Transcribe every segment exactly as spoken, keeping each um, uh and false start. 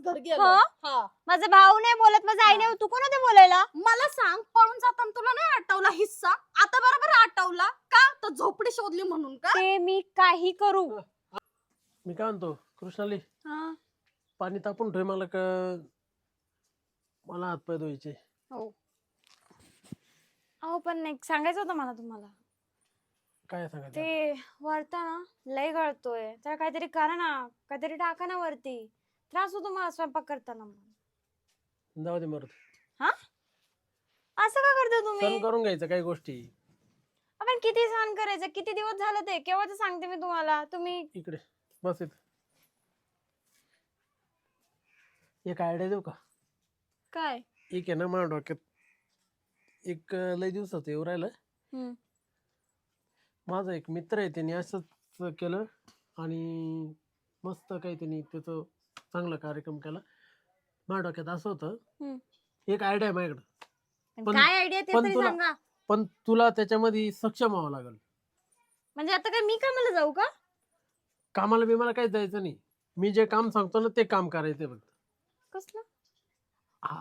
घर गेलो. हो? हा माझा भाऊ नाही बोलत, माझा आई नाही, तू कोण होते बोलायला? मला सांग, पळून जाताना तुला नाही आठवला हिस्सा? आता बरोबर आठवला का? तर झोपडी शोधली म्हणून का? ते मी काही करू. मी काय म्हणतो कृष्णाली, हा. पाणी तापून ठेव, मला का मला हातपाय धुवायचे. हो. अहो पण एक सांगायचं होतं मला तुम्हाला. काय सांगायचं? ते वरता ना लय गळतोय, तर काहीतरी करा ना, काहीतरी टाका ना वरती. त्रास होतो मला स्वयंपाक करताना. जाऊ दे मरत, हा असं का करता तुम्ही? सण करून घ्यायचं काही गोष्टी. आपण किती सहन करायचं, किती दिवस झालं ते, केव्हाच सांगते मी तुम्हाला. तुम्ही इकडे बस. इथं एक आयडिया देऊ का? काय? एक आहे ना माझ्या डोक्यात, एक अं, लय दिवसाचं येऊ राहिलं. हम्म. माझा एक मित्र आहे, त्याने असंच केलं आणि मस्त काही त्यांनी त्याचं चांगला कार्यक्रम केला. माझ्या डोक्यात असं होतं, हम्म. एक आयडिया आहे माझ्याकडं, पण पण- काय आयडिया ते पण तरी तुला- सांगा. पण तुला त्याच्यामध्ये सक्षम व्हावं लागेल. म्हणजे आता काय मी कामाला जाऊ का? कामाला बी मला काही जायचं नाही, मी जे काम सांगतो ना ते काम करायचं फक्त. कसलं? हा,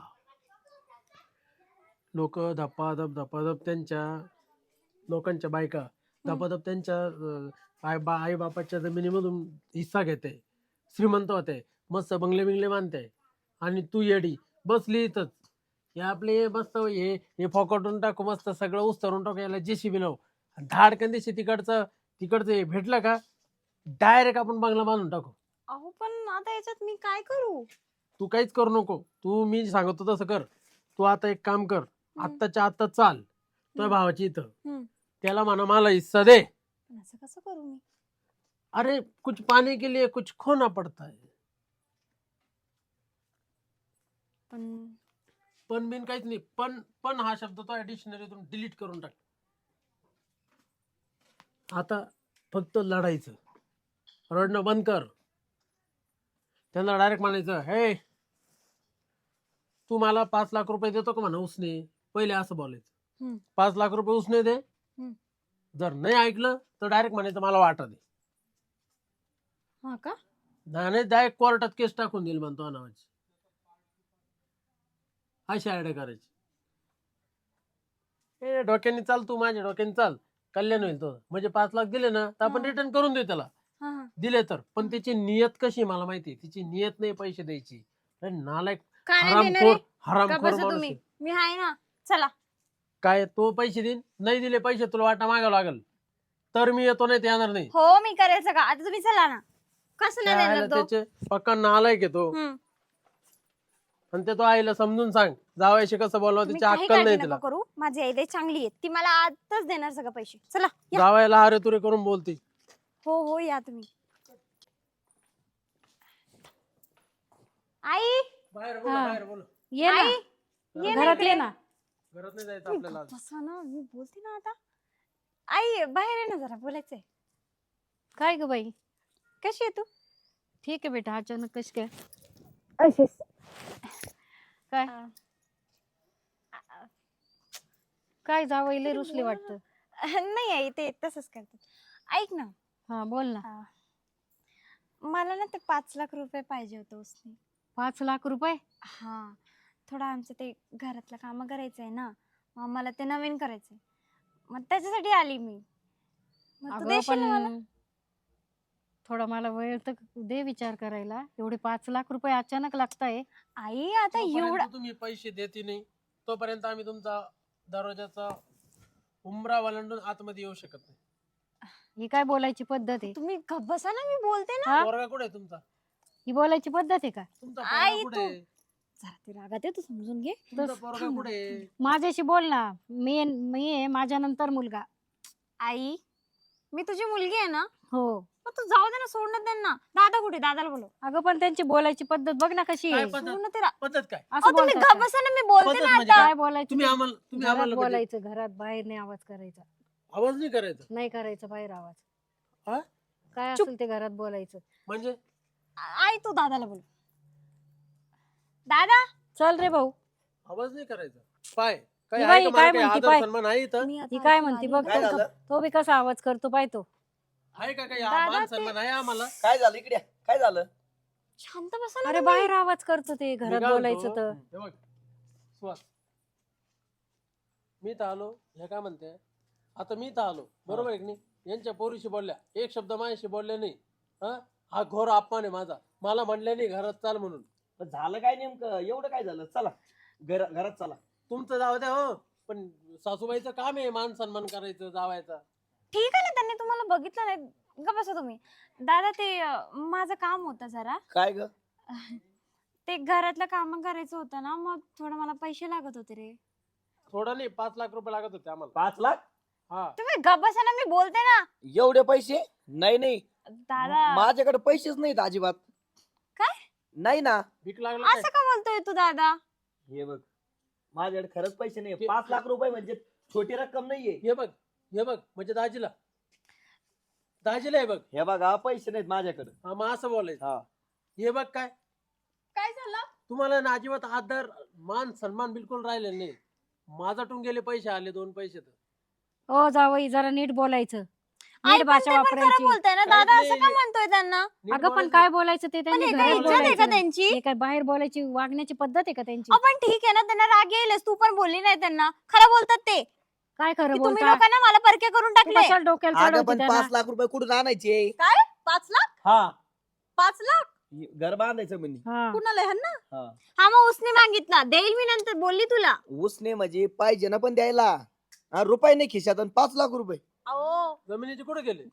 लोक धपाधप धपाधप त्यांच्या लोकांच्या बायका धपाधप त्यांच्या अं, आई बा आई बापाच्या जमिनीमधून हिस्सा घेते, श्रीमंत होते, मस्त बंगले बिंगले बांधते, आणि तू येडी बसली इथंच. हे आपले मस्त हे हे फॉकटून टाकू, मस्त सगळं उस्तरून टाकू, याला जे सी बी लावू, धाडकन दिवशी तिकडचं तिकडचं हे भेटलं का डायरेक्ट आपण बंगला बांधून टाकू. अहो पण आता याच्यात मी काय करू? तू काहीच करू नको, तू मी सांगतो तसं कर. तू आता एक काम कर, आत्ताच्या आत्ता चाल तुझ्या हम्म. भावाची इथं, हम्म. त्याला म्हणा मला हिस्सा दे. पण असं कसं करू मी? अरे कुछ पाने के लिए कुछ खोना पड़ता है. पण पण बिन काहीच नाही. पण पण हा शब्द तो डिक्शनरीतून डिलीट करून टाक. आता फक्त लढायचं, रडणं बंद कर. त्यांना डायरेक्ट म्हणायचं, हे तू मला पाच लाख रुपये देतो का म्हणा उसने, पहिले असं बोलायचं. हम्म. पाच लाख रुपये उसने दे. हम्म. जर नाही ऐकलं तर डायरेक्ट म्हणायचं मला वाटा दे. हा का? नाही डायरेक्ट कोर्टात केस टाकून देईल म्हणतो नावाची. अशी आयडिया करायची. ए डोक्याने चाल, तू माझ्या डोक्याने चाल, कल्याण होईल तो. म्हणजे पाच लाख दिले ना तर आपण हा. रिटर्न करून देऊ त्याला, हा हा. दिले तर. पण त्याची नियत कशी मला माहिती, तिची नियत नाही पैसे द्यायची. अरे नालायक, काय नाही देणार हरामखोर आहे? का हरामखोर बसा माणूस तुम्ही, आहे. मी आहे ना. चला. काय तो पैसे देईन, नाही दिले पैसे तुला वाटा मागावं लागेल, तर मी येतो, नाही ते येणार नाही. हो मी करेल सगळं. आता तुम्ही चला ना. कसं नाही त्याला देणार तो? त्याचे पक्का नालायक आहे तो. हम्म. आणि ते तो आईला समजून सांग, जावायशी कसं बोलावं तुम्ही त्याची काही अक्कल काळजी नाही नका तिला. करू. माझी आई लई चांगली आहे, ती मला आताच देणार सगळं पैसे. चला या. जावायला अरे तुरे करून बोलती. हो हो या तुम्ही. आई बाहेर बोल, हा. बाहेर बोल. ये ना, आई ये ना घरात इकडे. ये ना. घरात नाही जायचं तुम्ही आपल्याला आज. गप्प बसा ना, मी बोलते ना आता. आई बाहेर आहे ना, जरा बोलायचंय. काय ग बाई? कशी आहे तू? ठीक आहे बेटा. अचानक कशी काय? अशीच. काय काय जावईले रुसले वाटतं. नाही आई, ते तसंच करतात. ऐक ना. हा बोल ना. हा. मला ना ते पाच लाख रुपये पाहिजे होते उसने. पाच लाख रुपये? हा, थोडं आमचं ते घरातलं काम करायचंय ना, मग मला ते नवीन करायचंय, मग त्याच्यासाठी आली मी. मग तू अगं देशील ना मला? पण थोडा मला वेळ तर दे विचार करायला. एवढे पाच लाख रुपये अचानक लागताय. आई आता जोपर्यंत एवढा तुम्ही पैसे देते नाही तोपर्यंत आम्ही तुमचा दरवाजाचा उंबरा वलांडून आतमध्ये येऊ शकत नाही. ही काय बोलायची पद्धत आहे? तुम्ही गप्प बसा ना, मी बोलते ना. हा? पोरगा कुठे आहे तुमचा? ही बोलायची पद्धत आहे का? तुमचा आई, पोरगा कुठे तू- आहे? जरा ते रागात आहे, तू समजून घे. तुमचा पोरगा कुठे आहे? माझ्याशी बोल ना. मी मी आहे, माझ्या नंतर मुलगा. आई मी तुझी मुलगी आहे ना, हो. मग तू जाऊ दे ना, सोडणं दे ना. दादा कुठे? दादाला बोलव. अगं पण त्यांची बोलायची पद्धत बघ ना कशी काय आहे. पद्धत? सोडणं ते रा- पद्धत काय? असं अहो, तुम्ही बोलतात गप्प का? बसा ना, मी बोलते पद्धत ना म्हणजे आता. काय बोलायचं? तुम्ही आम्हाला तुम्ही घरात आम्हाला म्हणजे बोलायचं, घरात. बाहेर नाही आवाज करायचा. आवाज नाही करायचा नाही करायचं बाहेर आवाज. हा? काय चुप. असेल ते घरात बोलायचं. म्हणजे आई तू दादाला बोल. दादा चल रे भाऊ. आवाज नाही करायचा. पाय काय ही आहे बाई का? काय मला काही म्हणती आदर पाय? सन्मान आहे इथं? मी आता ही काय ऐकून म्हणती आली. बघ. काय तो झालं? तो बी कसा आवाज करतो पाय तो. आहे का काही दादा मान ते- सन्मान आहे आम्हाला? काय झालं इकडे? काय झालं? शांत बसा ना अरे तुम्ही. बाहेर आवाज करतो ते मी घरात काय बोलायचं म्हणतो, तर हे बघ सुहास, मी तर आलो हे काय म्हणते, आता मी तर आलो बरोबर आहे की नाही, यांच्या पोरीशी बोलल्या, एक शब्द माझ्याशी बोलले नाही. हा हा घोर अपमान आहे माझा, मला म्हणले नाही घरात चाल म्हणून. पण झालं काय नेमकं, एवढं काय झालं? चला घर घरात चला. तुमचं जाऊ द्या हो, पण सासूबाईचं काम आहे मान सन्मान करायचं जावायचा. ठीक आहे ना, त्यांनी तुम्हाला बघितलं नाही का, बसा तुम्ही. दादा ते अं, माझं काम होतं जरा, काय ग? ते घरातलं काम करायचं होतं ना, मग थोडं मला पैसे लागत होते रे. थोडं नाही, पाच लाख रुपये लागत होते आम्हाला. पाच लाख? हा तुम्ही गप बसा ना, मी बोलते ना. एवढे पैसे? नाही नाही, दादा माझ्याकडे पैसेच नाहीत अजिबात. काय? नाही ना. भीक लागलं असं काय? का बोलतोय तू दादा? हे बघ, माझ्याकडे खरंच पैसे नाही. ते- पाच लाख रुपये म्हणजे छोटी रक्कम नाहीये. हे बघ हे बघ म्हणजे दाजीला दाजीला हे बघ. हे बघा, पैसे नाहीत माझ्याकडे. हा मग असं बोलायचं. हा. हे बघ काय काय झालं? तुम्हाला ना अजिबात आदर मान सन्मान बिलकुल राहिलेला नाही. माझाटून गेले पैसे आले दोन पैसे तर. हो जावई जरा नीट बोलायचं, आई नीट पण भाषा ते पण खरं वापरायची. बोलताय ना काहीच दादा, नाही, असं का म्हणतोय त्यांना? नीट अगं पण बोलायचं. काय बोलायचं ते पण त्यांनी हे घरात काय इज्जत आहे बोलायचं का नाही. त्यांची? हे काय बाहेर बोलायची वागण्याची पद्धत आहे का त्यांची? आपण ठीक आहे ना, त्यांना राग येईलच. तू पण बोलली नाही त्यांना, खरं बोलतात ते काय की खरं तुम्ही बोलता? लोकांना मला परके करून तू टाकले. कशाला डोक्याला अगं चढवते पण त्यांना? पाच लाख रुपये कुठून आणायचे? काय पाच लाख? हा, पाच लाख घर बांधायचं म्हणे. हा. कुणाला ह्यांना? हा. हा मग उसने मागितला, देईल मी नंतर, बोलली तुला. उसने म्हणजे पाहिजे ना पण द्यायला. हा, रुपये नाही खिशात आणि पाच लाख रुपये. अहो जमिनीचे कुठे गेले?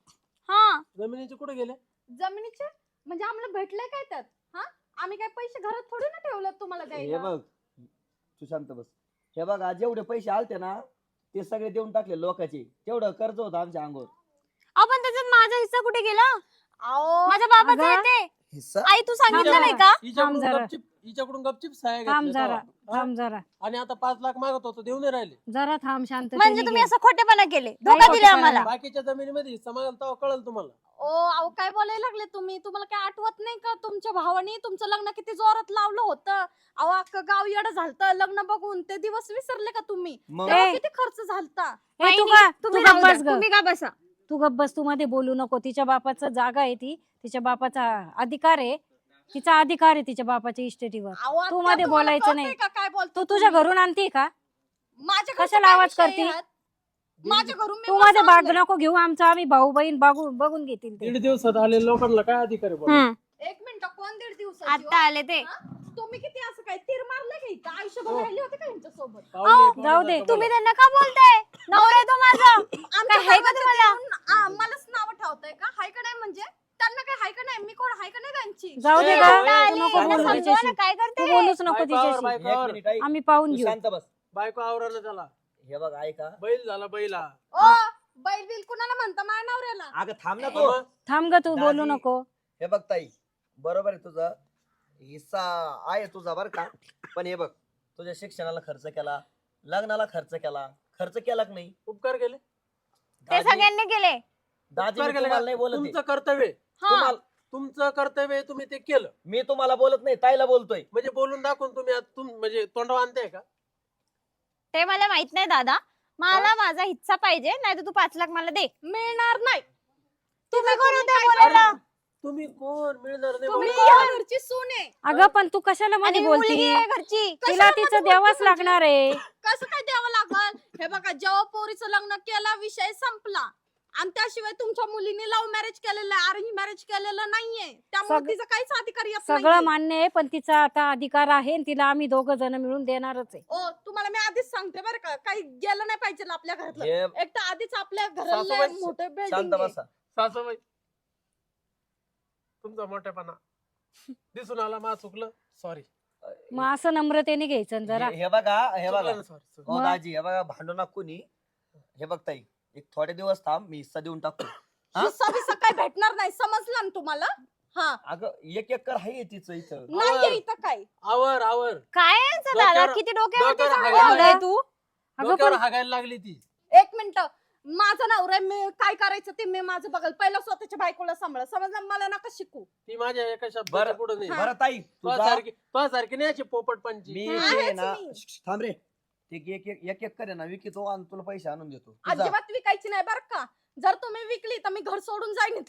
हा जमिनीचे कुठे गेले? जमिनीचे म्हणजे आम्हाला भेटलंय काय त्यात? हा आम्ही काय पैसे घरात थोडी ना ठेवलं तुम्हाला हे द्यायला. बघ, तू शांत बस. हे बघा, जेवढे पैसे आलते ना ते सगळे देऊन टाकले लोकांचे. तेवढं कर्ज होतं आमच्या अंगावर. आपण त्याच्यात माझा हिस्सा कुठे गेला? अहो माझ्या बाबाचा अगं, येते. हिस्सा? आई तू सांगितलं थांब नाही जरा. का? हिच्याकडून जरा. गपचिप हिच्याकडून गपचिप सहाय्य थांब घेतले जरा तेव्हा. थांब जरा हा? आणि आता पाच लाख मागत होतो देऊ नाही राहिले. जरा थांब शांत. म्हणजे तुम्ही असं खोटेपणा केले, नाही, धोका दिला खोटेपणा आम्हाला. नाही. बाकीच्या जमिनीमध्ये हिस्सा मागाल तेव्हा कळलं तुम्हाला. ओ अहो काय बोलायला लागले तुम्ही? तुम्हाला काय आठवत नाही का तुमच्या भावानी तुमचं लग्न किती जोरात लावलं होतं? अहो अख्खं गाव येडं झालतं लग्न बघून. ते दिवस विसरले का तुम्ही? मग तेव्हा ए. किती खर्च झालता? ए, नाही, तू नाही, का तू तुम्ही गप्प राहू द्या, बस ग. तुम्ही का बसा. तू गप्प बस, तू मध्ये बोलू नको. तिच्या बापाचं जागा आहे ती, तिच्या बापाचा अधिकार आहे, तिचा अधिकार आहे तिच्या बापाच्या इस्टेटीवर. अहो, आत्या, तू मध्ये तुम्हाला बोलायचं कळतंय नाही. का काय बोलतो तू तुझ्या तुम्ही? घरून आणते का? माझ्या घरचा कशाला काय आवाज विषय करती? यात? माझ्या घरून मी तू मस्त मध्ये भाग आणलंय. नको घेऊ. आमचा आम्ही भाऊ बहीण बघून बघून घेतील ते. दीड दिवसात आले लोकांना काय अधिकार आहे बोलायला? हम्म. एक मिनिट कोण दीड दिवसाची आता हो? आले ते. हा? तुम्ही किती असं काय तीर मारले का इथं? आयुष्यभर हो. राहिले होते का यांच्यासोबत? पाहुणे- अहो, पाहुणे जाऊ दे. सारखं तुम्ही बोला. त्यांना का बोलताय? नवरा आहे तो माझा. आमच्या काय हाय का दरवाजात तुम्हाला? येऊन आम्हालाच नाव ठेवताय का? हाय का नाही म्हणजे? त्यांना काय हाय का नाही? मी कोण हाय का नाही त्यांची? जाऊ दे ए, का? ए, आता ए, आले, नको यांना बोलू समजवा तिच्याशी. ना, काय करते तू हे? बोलूच नको बायकोवर, तिच्याशी. एक बायकोवर. मिनिट ऐक. आम्ही पाहून तू घेऊ. शांत बस. बायको आवरानं त्याला हे बघ ऐका. बैल झाला बैला. ओ बैल बिल कुणाला म्हणता माझ्या नवऱ्याला? अगं थांब ना तू. थांब ग, तू बोलू दाजी. नको. हे बघ ताई, बरोबर आहे तुझं, हिस्सा आहे तुझा बर का. पण हे बघ, तुझ्या शिक्षणाला खर्च केला, लग्नाला खर्च केला, खर्च केला की नाही? उपकार केले. ते दाजी, सगळ्यांनी केले. दाजी उपकार मी केले तुम्हाला का? नाही बोलत आहे. तुमचं कर्तव्य आहे. हा तुम्हाला तुमचं कर्तव्य आहे, तुम्ही ते केलं. मी तुम्हाला बोलत नाही, ताईला बोलतोय. म्हणजे बोलून दाखवून तुम्ही आज तुम म्हणजे तोंडावर आणताय का? ते मला माहित नाही दादा. मला माझा हिस्सा पाहिजे, नाही तर तू पाच लाख मला दे. मिळणार नाही. तुम्ही कोण होते काय बोलायला? अरे, तुम्ही कोण मिळणार नाही तुम्ही बोलायला? या घरची सून आहे. अगं पण तू कशाला आणि मध्ये मी बोलती? मुलगी आहे घरची. तिला कशाला तिचं मध्ये द्यावाच बोलते लागणार आहे. कसं काय द्यावं लागल? हे बघा जेव्हा पोरीचं लग्न केला विषय संपला. आणि त्याशिवाय तुमच्या मुलीने लव्ह मॅरेज केलेलं आहे, अरेंज मॅरेज केलेलं नाहीये. त्यामुळे सग- तिचा काहीच अधिकार येत सगळं नाहीये. मान्य आहे, पण तिचा आता अधिकार आहे आणि तिला आम्ही दोघं जण मिळून देणारच आहे. ओ तुम्हाला मी आधीच सांगते बरं का, काही गेलं नाही पाहिजे आपल्या घरातलं. हे एक तर आधीच आपल्या घराला सासूबाई, मोठं शांत बिल्डिंग आहे. बसा. सासूबाई तुमचा मोठेपणा दिसून आला, मा चुकलं, सॉरी. मग असं नम्रतेने घ्यायचं ना जरा. हे हे बघा, हे बघा, सॉरी. हो मग? दाजी, हे बघा, भांडू नका कोणी. हे बघ ताई, एक थोडे दिवस थांब, मी हिस्सा देऊन टाकतो. हा? हिस्सा बिस्सा काय भेटणार नाही, समजलं ना तुम्हाला? हा अगं एक एकर आहे तिचं इथं. नाहीये इथं काय. आवर आवर काय आहे याचं दादा? डोक्यावर- किती डोक्यावरती डोक्यावर चांगलं हागायला लावलंय लागली. तू? अगं डोक्यावर पण हागायला लागली ती. एक मिनिट, माझा नवरा आहे, मी काय करायचं ते मी माझं बघल. पहिला स्वतःच्या बायकोला सांभाळ, समजलं? मला नका शिकू. ती माझ्या एका शब्दाच्या बरं. पुढे नाही. बरं ताई, तू तुझ्या जा. सारखी तुझ्या सारखी नाही अशी पोपट पंची. मी हा, ते आहेच ना, मी. श्श, थांब रे. ते एक एक एक एकर आहे ना, विकितो आणि तुला पैसे आणून देतो. तू जा. अजिबात विकायची नाही बरं का. जर तुम्ही विकली तर मी घर सोडून जाईन इथलं.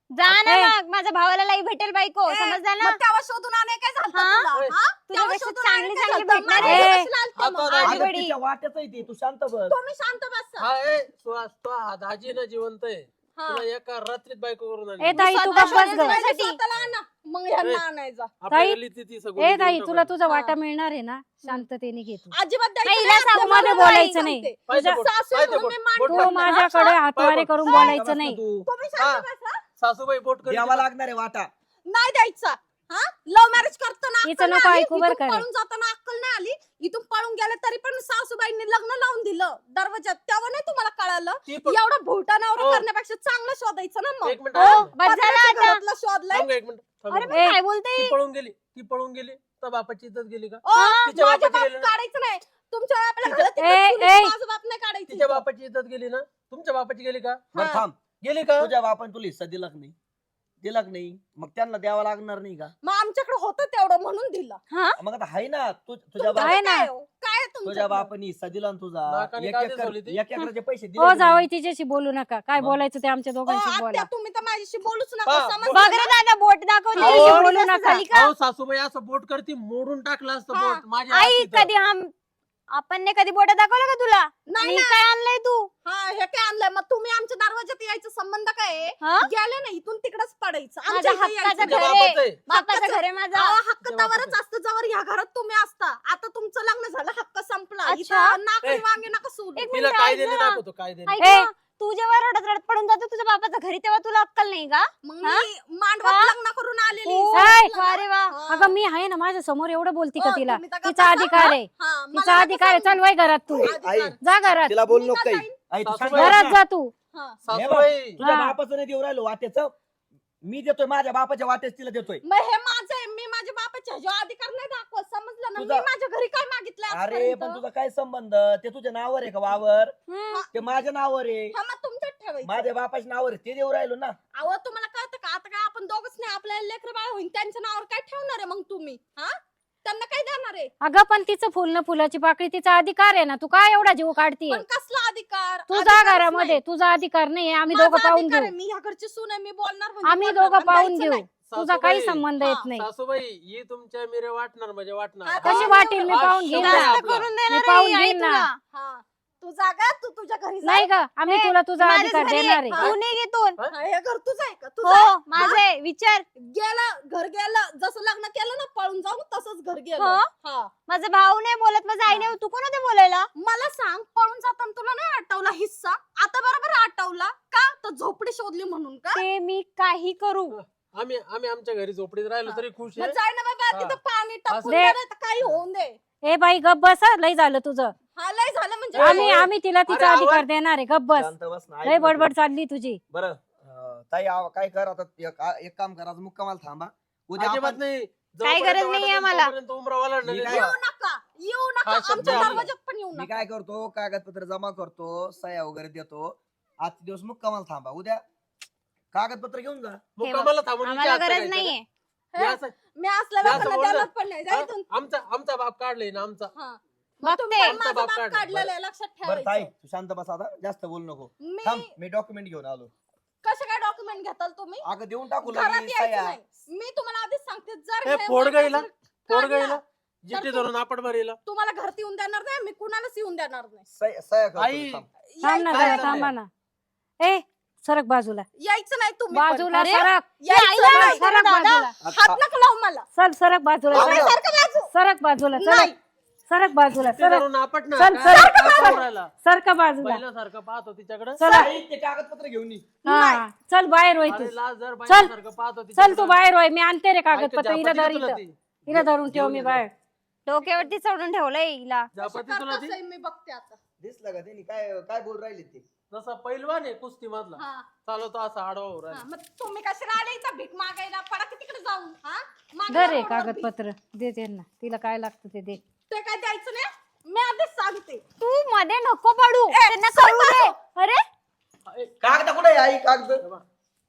जा ना ए. मग माझ्या भावाला लाई भेटेल बायको ए, समजलं ना मग तेव्हा शोधून आणाय काय झालं हा? तुला? हा? तेव्हा तुझ्यापेक्षा शोधून चांगली आणाय काय चांगली झालं? भेटणार माझ्या आहे. कशाला आलते आता मग? दाजी- हा? अगं तिच्या वाट्याच आहे ती, तू शांत बस. तुम्ही शांत बसा. हा ए सुहास तो हा दाजी ना जिवंत आहे हा. तुला एका रात्रीत बायको करून ए आणली ताई तू स्वतः गप्प बस ग शोधायचं साठी. स्वतःला आणा. मग ह्यांना ए. आणायचा. आपल्या ताई- गल्लीत ती सगळी ए देऊन ताई तुला टाकायची. तुझा हा. वाटा मिळणार आहे ना शांततेने घे तू अजिबात द्यायचं नाही, नाही. हिला सांगू आपल्या मध्ये मुलाला बोलायचं सांगते. नाही. पाहिजे तुझ्या बोट, सासू पाहिजे म्हणून बोट, मी मान बोट तू ठेवते. कर. माझ्याकडे हातवारे पाय- करून शांत बोलायचं बस नाही तू. तुम्ही शांत हा. बसा. सासूबाई बोट कर द्यावा लागणार आहे वाटा. नाही द्यायचा. हा लव्ह मॅरेज करताना हिचं अक्कल नको नाही आली. ऐकू बरं इथून का रे. पळून जाताना अक्कल नाही आली. इथून पळून गेले तरी पण सासूबाईंनी लग्न लावून दिलं दरवाजात. तेव्हा नाही तुम्हाला कळालं ती पण- एवढं भुलटा नवरा हो. करण्यापेक्षा चांगलं शोधायचं ना मग. एक मिनिट हो थांब. बस झालं पत्र्याच्या आता घरातलं शोधलंय. थांब गं, एक मिनिट थांब अरे गं. पण ए. काय बोलते ती पळून गेली ती पळून गेली तर बापाची इज्जत गेली का ओ, तिच्या माझ्या बापाची बाप गेली ना? काढायचं नाही. तुमच्या बापाला तिच्या- घरात ए, इकडे ए. माझं बाप नाही काढायचं. तिच्या बापाची इज्जत गेली ना तुमच्या बापाची गेली का बरं हा. थांब. गेली का तुझ्या बापान तुला हिस्सा दिला का नाही दिला का नाही मग त्यांना द्यावा लागणार नाही का मग आमच्याकडे होतं तेवढं म्हणून दिलं. मग आता हाय ना तू तुझ्या तुमचं बाप आहे ना. काय हो? काय आहे तुझ्या तुमच्याकडं? बापाने हिस्सा दिला ना तुझा नाकाने एक का एकर दिसवली ती? एक एकराचे पैसे दिले हो का नाही? जावई तिच्याशी बोलू नका काय मग? बोलायचं ते आमच्या ओ, दोघांशी आत्या, बोला तुम्ही तर माझ्याशी बोलूच नका. हा. समजलं बघ रे ना? दादा बोट दाखव अहो, तुझी एवढी बोलू जास्त नका. झाली का अहो सासूबाई असं बोट करती मोडून टाकलं असतं हा. बोट माझ्या आई हातीत. कधी हम आपण ने कधी बोट दाखवलं का तुला नाही मी ना. काय आणलंय तू हा हे काय आणलंय मग तुम्ही आमच्या दरवाजात यायचा संबंध काय आहे? हा? गेले ना इथून तिकडेच पडायचं. आमच्या माझ्या इथे हक्काचं यायचं तुझ्या घर नाही. आहे. बापाचं आहे. बापाचं हक्काचं- घर आहे माझा अहो, हक्क तुझ्या तवरच बापाचं. असतं जवळ ह्या घरात तुम्ही असता. आता तुमचं लग्न झालं हक्क संपला. अच्छा. इथं नाकरी ए. वांगे नका सोडू. एक तिला मिनिट कायद्याने ऐक ना. दाखवतो कायद्याने ऐक ए. ना, तू जेव्हा रडत रडत पडून जातो तुझ्या बापाच्या घरी तेव्हा तुला अक्कल नाही का मग हा? मी मांडवात का? लग्न करून आलेली. ओ, समजलं ना? अरे वा हा. अगं मी आहे ना माझ्या समोर एवढं बोलती का हो, तिला तुम्ही तर गप्प तिचा बसा. अधिकार आहे हा, मला तिचा नका अधिकार आहे सांगू. चल वय घरात तू आई, आई, जा घरात तिला बोल मी नको का काही जाईन? आई, तू शांत सासूबाई. बस घरात ना. जा तू हा. हे बघ, सासूबाई तुझ्या हा. बापाचं नाही देऊ राहिलो वाट्याचं मी देतोय माझ्या बापाच्या वाट्याच तिला देतोय मग हे माझं आहे. मी माझ्या बापाच्या ह्याच्यावर अधिकार नाही दाखवत. समजलं ना? मी तुझा- माझ्या घरी काय मागितलंय अरे आजपर्यंत? पण तुझा काय संबंध ते तुझ्या नावावर आहे का वावर हम्म. ते माझ्या नावावर आहे हा, मग तुमच्यात ठेवायचं. माझ्या बापाच्या नावावर आहे, ते देऊ राहिलो ना अहो तुम्हाला कळतं का आता काय आपण दोघच नाही आपल्याला लेकर बाळ होईल त्यांच्या नावावर काय ठेवणार आहे मग तुम्ही हा त्यांना काय देणार आहे? अगं पण तिचं फुल न फुलाची पाकळी तिचा अधिकार आहे ना तू काय एवढा जीव काढतीये पण कसला अधिकार? तुझा अधिकारच घरामध्ये नाही. तुझा अधिकार नाही आम्ही माझा दोघं पाहून अधिकार घेऊ आहे. मी ह्या घरची सून आहे. मी बोलणार म्हणजे आम्ही बोलणार. दोघं आणि पाहून द्यायचं घेऊ नाही. तुझा काही सासूबाई. संबंध हा. येत नाही सासूबाई ही तुमच्या मिरे वाटणार म्हणजे वाटणार आता कशी हा. वाटेल मी हा, पाहून घेईन शब्द ना आहे जास्त आपला. करून मी देणार पाहून आहे आई घेईन ना. तुला. हा. तू जागा तू तुझ्या घरी जा. नाही का आम्ही ए, तुला तुझा माझ्याच अधिकार घरी देणार आहे. आहे तू निघ इथून. हा, हे घर तुझं आहे का? तुझं हो आहे? माझं आहे. विचार गेलं घर गेलं जसं लग्न केलं ना पळून जाऊन तसंच घर गेलं. हो? हा. माझा भाऊ नाही बोलत माझा आई नाही तू कोण होते बोलायला मला सांग पळून जाताना तुला नाही आठवला हिस्सा? आता बरोबर आठवला का? तर झोपडी शोधली म्हणून का? ते मी काही करू आम्ही आम्ही आमच्या घरी झोपडीत राहिलो तरी खुश मग आहे जाय ना बाबा हा. तिथं पाणी टाकून दे. दे नाही तर काही होऊन दे. ए बाई गप बस हं, लय झालं तुझं हा लय झालं म्हणजे आम्ही आम्ही तिला तिचा अरे, अधिकार आवाज- देणार आहे गप बस शांत बस ना, ऐक लय ना बडबड तू. चालली तुझी बरं अं, ताई आव- काय कर आता एक एक काम कर आज मुक्कामाला थांबा उद्या अजिबात आपण- नाही काही जोपर्यंत गरज नाहीये वाटेल आम्हाला. तोपर्यंत उमरा ओलांडणार मी नाही. काय- येऊ नका येऊ नका हा शब्द आमच्या आहे. दरवाजात पण येऊ मी नका. काय करतो कागदपत्र जमा करतो सह्या वगैरे देतो आजचे दिवस मुक्कामाला थांबा उद्या कागदपत्र घेऊन जा मुक्कामाला थांबून आम्हाला विचार गरज करायचा नाहीये का? हे असं- मी असल्या जास्त लोकांना बोल ना. द्यायला पण नाही. जा हा? इथून. आमचा आमचा बाप काढलाय ना आमचा हा. मग तुम्ही बघते. पण माझा आमचा बाप बाप काढला. काढलेला आहे, लक्षात बरं ताई ठेवायचं. तू शांत बस आता जास्त बोलू नको मी थांब मी डॉक्युमेंट घेऊन आलो कसे काय डॉक्युमेंट घेताल तुम्ही? अगं देऊन टाकू घरात लगेच यायचं सह्या नाही. मी तुम्हाला आधीच सांगते जर हे हे फोड वाटलं गाईला तर फोड काढला. गाईला जिथे तू- धरून आपण भरेला तुम्हाला घरात येऊन देणार नाही मी कुणालाच येऊन देणार नाही. सह्या सह्या करतो आई. मी, थांब. थांब ना यायचं जरा नाही. थांबा ना ए सरक बाजूला यायचं नाही तुम्ही पण. बाजूला अरे, सरक यायचं आईला नाही. नाही. सरक दादा. बाजूला हात नका लावू मला. चल सरक बाजूला थांब सरक. ना. सारखं बाजू. सरक बाजूला सरक नाही. सरक बाजूला जिथे सरक धरून आपण ना चल, काय चल. काय करून राहिला? सरक बाजूला पहिल्यासारखं पाहतो तिच्याकडे चला ताई, ते कागदपत्र घेऊन ये. हा चल बाहेर होय तू अरे लाज जर चल. पहिल्यासारखं पाहतो चल तू बाहेर होय मी आणते रे कागदपत्र ऐक, हिला जापती धर तुला इथं ती. हिला धरून ठेव घेऊन मी ये बाहेर डोक्यावरती चढून ठेवलंय हिला जापती कसं तुला ती करतोय मी बघते आता. दिसलं का त्यांनी काय काय बोल राहिले ते जसा पैलवान आहे कुस्ती मधला हा. चालवतो असा आडवा होऊ हा, राहिला. मग तुम्ही कशाला आले इथं भीक मागायला? पडा की तिकडे जाऊन. हा? मागा धर रे रोडवर भीक. कागदपत्र दे त्यांना तिला काय लागतं ते दे ते काय द्यायचं नाही. मी आधीच सांगते. तू मध्ये नको पडू ए, त्यांना सरक कळू दे बाजू. अरे ए, कागद कुठे आहे, आई कागद हे बघ.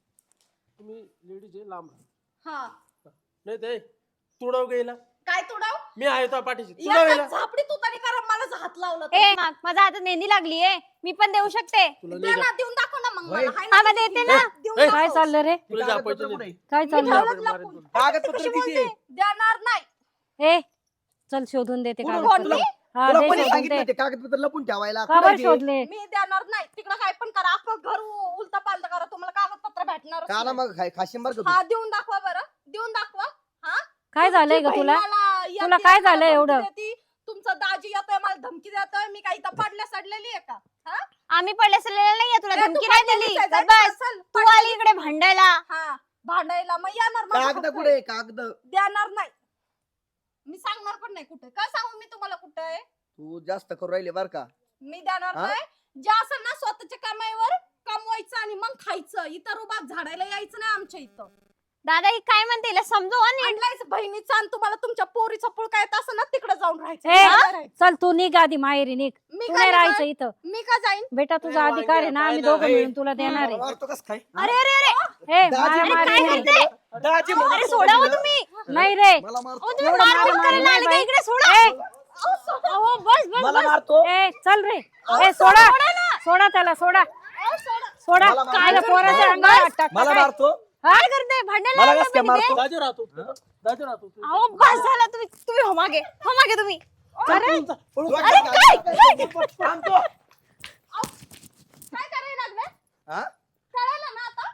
तुम्ही लेडीज आहे लांब राहा. हा. नाही ते तुडव गेला काय तुडाव? मी आहे तो पाठीशी तुडव या गेला झापडी तू तरी करा मला हात लावला तर. ए मा- माझ्या हातात मेहंदी लागली आहे मी पण देऊ शकते तुला दे नाही ना, देऊन दाखव ना मग सांग वय. मला. हाय ना आम्हा तुझी देते किल्ली? ना. देऊन ए, काय दाखव. चाललं रे तुला कागदपत्र जापायचं कुठे? नाही. काय मी चाललं ठेवलं लपून. कागदपत्र कशी किती बोलते? आहे? देणार नाही. ए चल शोधून देते कुठून? कागदपत्र. तुला हा तुला दे कोणी शोधून सांगितलं दे ते कागदपत्र लपून ठेवायला? का कुठे बरं ते? शोधले मी देणार नाही. तिकडं काय पण करा, अख्खं घर उलटा पालटा करा, तुम्हाला कागदपत्र भेटणार का ना मग खाय- खाशीन बरं का तू? हा देऊन दाखवा बरं, देऊन दाखवा. हा काय झालंय ग तुमची तुला बहीण मला येते, तुला काय मला झालंय धमकी एवढं? देती. तुमचा दाजी येतोय मला धमकी देतोय, मी काही इथं पडल्या सडलेली आहे का? हा? आम्ही पडले सडलेलं नाहीये, तुला ए, तू धमकी नाही पडलेलीच दिली. आहे, तर जा बस चल, तू आली इकडे भांडायला. हा भांडायला मग येणार माझ्या कागद हक्क कुठे आहे. आहे? कागद देणार नाही. मी सांगणार पण नाही कुठे. काय सांगू मी तुम्हाला कुठे आहे? तू जास्त करू राहिले बर का? मी देणार हा? नाही. जे असेल ना स्वतःच्या कमाईवर कमवायचं आणि मग खायचं. इतर उभा झाडायला यायचं नाही आमच्या इथं. दादा ही काय म्हणते हिला समजव आणि आणलायच बहिणीचा आणि तुम्हाला तुमच्या पोरीचा पुळका येत असं ना तिकडे जाऊन राहायचं. ए, मला राहायचं. चल तू निघ आधी माहेरी निघ मी तू काय नाही राहायचं जाईन? इथं मी का जाईन? बेटा तुझा ए, अधिकार आहे ना वांग्या, आम्ही पाहिलं, दोघं ए. मिळून तुला देणार आहे मारतो कस काय? अरे अरे अरे ए दाजी मारा म्हणतो मारी काय नाही. करते? दाजी म्हणतो अरे तो सोडा हो तिला. तुम्ही. नाही रे मला मारतो. अहो, तुम्ही एवढं मारहाण मारा- करायला मारी आले का नाही इकडे? सोडा. ए, अहो, बस बस मला बस. मारतो. ए चल रे ए सोडा सोडा त्याला सोडा अहो, सोडा. सोडा मला मार- काय मला- पोराच्या अंगावर हात टाकता मला काय? मारतो. काय करते भांडायला मला लागला कस काय पण इथे? मारतो? दाजी राहतो दाजी राहतो अहो बस झालं तुम्ही तुम्ही हो मागे हो मागे तुम्ही अरे अरे काय? थांबतो. अहो, काय करायला लागले? हा? कळायला ना आता?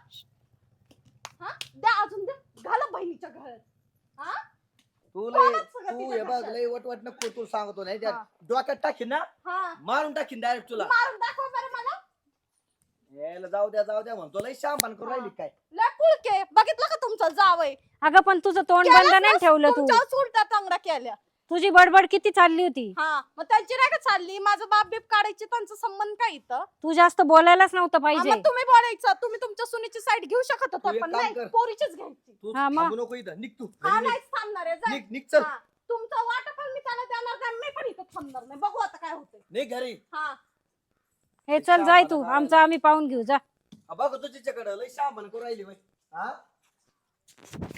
हा? द्या अजून द्या. घाला बहिणीच्या घरात. हा? तू लय कोणाच सगळं तू तिच्या हे बघ घरचं? लय वटवट नको तू सांगतो नाही त्या हा. डोक्यात टाकीन ना हा. मारून टाकीन डायरेक्ट तुला. मारून दाखवा बरं मला. यायला जाऊ द्या जाऊ द्या म्हणतो लय शांपान करून राहिली काय? लय कुळके. बघितलं का तुमचं जावय? अगं पण तुझं तोंड केलंच बंद नाही ना, ठेवलं तू तुमच्याच उलट्या टांगड्या केल्या. तुझी बडबड किती चालली होती हा मग त्यांची नाही का चालली? माझं बाप बीप काढायची त्यांचा संबंध काय इथं? तू जास्त बोलायलाच नव्हतं हा, पाहिजे मग तुम्ही बोलायचं. तुम्ही तुमच्या सुनीची साईड घेऊ शकत तू होता एक पण काम नाही, कर. पोरीचीच घ्यायची. तू हा, मग? थांबू नको इथं निघ तू हा घरी निघ. नाहीच थांबणार आहे. जा. निघ निघ चल हा. तुमचं वाटप मी त्याला देणार नाही. मी पण इथं थांबणार नाही. बघू आता काय होतंय. निघ घरी. हा हे चल जाय तू आमचं आम्ही पाहून घेऊ जा हा, बघ तुझ्याकडे लय शांपान करून राहिली बाई. हा